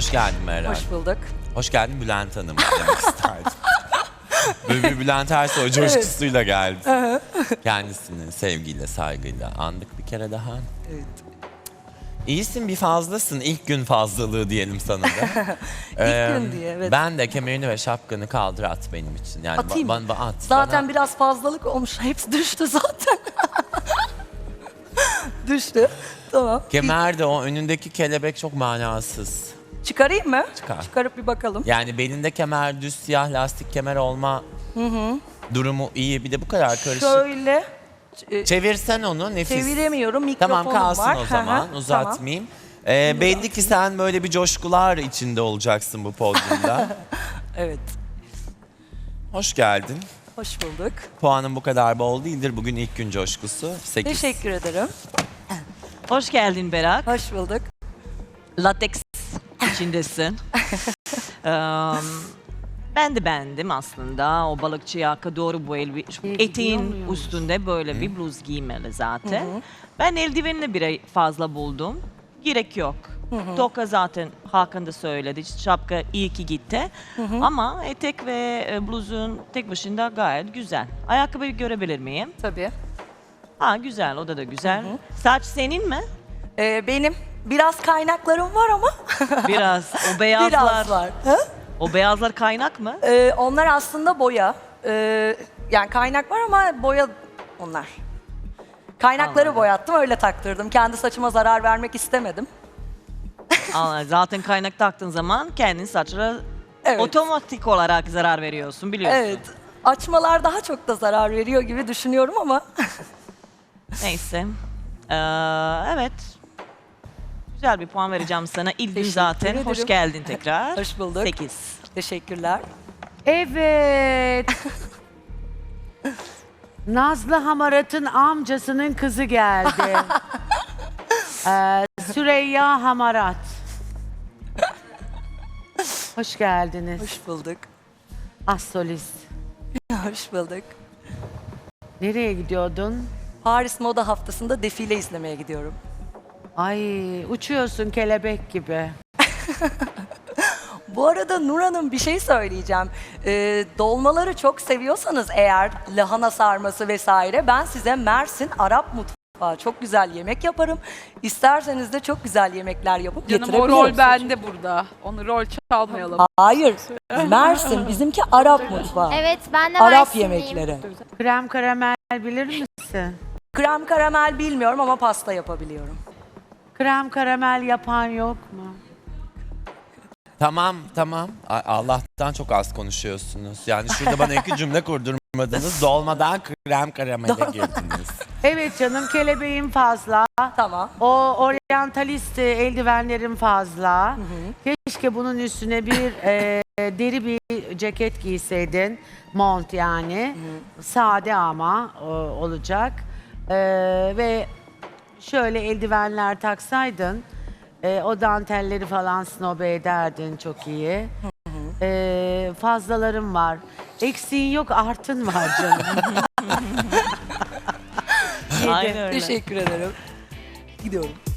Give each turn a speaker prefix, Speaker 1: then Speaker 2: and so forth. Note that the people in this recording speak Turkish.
Speaker 1: Hoş geldin Meral.
Speaker 2: Hoş bulduk.
Speaker 1: Hoş geldin Bülent Hanım demek isterdim. Böyle bir Bülent Ersoy coşkusuyla geldi. Kendisini sevgiyle, saygıyla andık bir kere daha.
Speaker 2: Evet.
Speaker 1: İyisin, bir fazlasın. İlk gün fazlalığı diyelim sana da.
Speaker 2: İlk gün diye, evet.
Speaker 1: Ben de kemerini ve şapkanı kaldır at benim için. Yani
Speaker 2: Atayım mı?
Speaker 1: at.
Speaker 2: Zaten
Speaker 1: bana...
Speaker 2: biraz fazlalık olmuş. Hepsi düştü zaten. Düştü. Tamam.
Speaker 1: Kemer de o önündeki kelebek çok manasız.
Speaker 2: Çıkarayım mı?
Speaker 1: Çıkar.
Speaker 2: Çıkarıp bir bakalım.
Speaker 1: Yani belinde kemer, düz siyah lastik kemer olma durumu iyi. Bir de bu kadar karışık.
Speaker 2: Şöyle
Speaker 1: Çevirsen onu nefis.
Speaker 2: çeviremiyorum. Mikrofonum
Speaker 1: Tamam kalsın
Speaker 2: var.
Speaker 1: o zaman.
Speaker 2: Hı hı,
Speaker 1: Uzatmayayım. Belli ki sen böyle bir coşkular içinde olacaksın bu podyumda.
Speaker 2: Evet.
Speaker 1: Hoş geldin.
Speaker 2: Hoş bulduk.
Speaker 1: Puanın bu kadar bol değildir. Bugün ilk gün coşkusu. 8.
Speaker 2: Teşekkür ederim.
Speaker 3: Hoş geldin Berak.
Speaker 2: Hoş bulduk.
Speaker 3: Lateks içindesin. Ben de beğendim aslında. O balıkçı yaka doğru bu eteğin üstünde böyle bir bluz giymeli zaten. Ben eldivenini bir fazla buldum. Gerek yok. Toka zaten Hakan da söyledi. Şapka iyi ki gitti. Ama etek ve bluzun tek başına gayet güzel. Ayakkabıyı görebilir miyim?
Speaker 2: Tabii.
Speaker 3: Ha güzel, o da güzel. Saç senin mi?
Speaker 2: Benim biraz kaynaklarım var ama
Speaker 3: Biraz. O beyazlar.
Speaker 2: biraz var. Hı?
Speaker 3: O beyazlar kaynak mı?
Speaker 2: Onlar aslında boya. Yani kaynak var ama boya onlar. Kaynakları
Speaker 3: Anladım.
Speaker 2: boyattım, öyle taktırdım. Kendi saçıma zarar vermek istemedim.
Speaker 3: Zaten kaynak taktığın zaman kendin saçlara
Speaker 2: Evet.
Speaker 3: otomatik olarak zarar veriyorsun biliyorsun.
Speaker 2: Evet. Açmalar daha çok da zarar veriyor gibi düşünüyorum ama
Speaker 3: Neyse. Evet. Güzel bir puan vereceğim sana. İlk gün
Speaker 2: Teşekkür
Speaker 3: zaten.
Speaker 2: ederim.
Speaker 3: Hoş geldin tekrar.
Speaker 2: Hoş bulduk.
Speaker 3: 8.
Speaker 2: teşekkürler.
Speaker 4: Evet. Nazlı Hamarat'ın amcasının kızı geldi. Süreyya Hamarat. Hoş geldiniz.
Speaker 2: Hoş bulduk.
Speaker 4: Solist.
Speaker 2: Hoş bulduk.
Speaker 4: Nereye gidiyordun?
Speaker 2: Paris Moda Haftası'nda defile izlemeye gidiyorum.
Speaker 4: Ay, uçuyorsun kelebek gibi.
Speaker 2: Bu arada Nur Hanım, bir şey söyleyeceğim. Dolmaları çok seviyorsanız eğer, lahana sarması vesaire, ben size Mersin Arap mutfağı çok güzel yemek yaparım. İsterseniz de çok güzel yemekler yapıp
Speaker 5: Canım o
Speaker 2: getirebilirim.
Speaker 5: rol bende burada. Onu rol çalmayalım.
Speaker 2: Hayır. Mersin bizimki Arap mutfağı.
Speaker 6: Evet, ben de
Speaker 2: Arap
Speaker 6: Mersinliyim.
Speaker 2: yemekleri.
Speaker 4: Krem karamel bilir misin?
Speaker 2: Krem karamel bilmiyorum ama pasta yapabiliyorum.
Speaker 4: Krem karamel yapan yok mu?
Speaker 1: Tamam. Allah'tan çok az konuşuyorsunuz. Yani şurada bana 2 cümle kurdurmadınız. Dolmadan krem karamele girdiniz.
Speaker 4: Evet canım, kelebeğim fazla.
Speaker 2: Tamam.
Speaker 4: O oryantalist eldivenlerim fazla. Keşke bunun üstüne bir deri bir ceket giyseydin. Mont yani. Sade ama olacak. Ve şöyle eldivenler taksaydın. O dantelleri falan snobe ederdin çok iyi. Fazlalarım var. Eksiğin yok, artın var canım.
Speaker 3: Aynen öyle.
Speaker 2: Teşekkür ederim. Gidiyorum.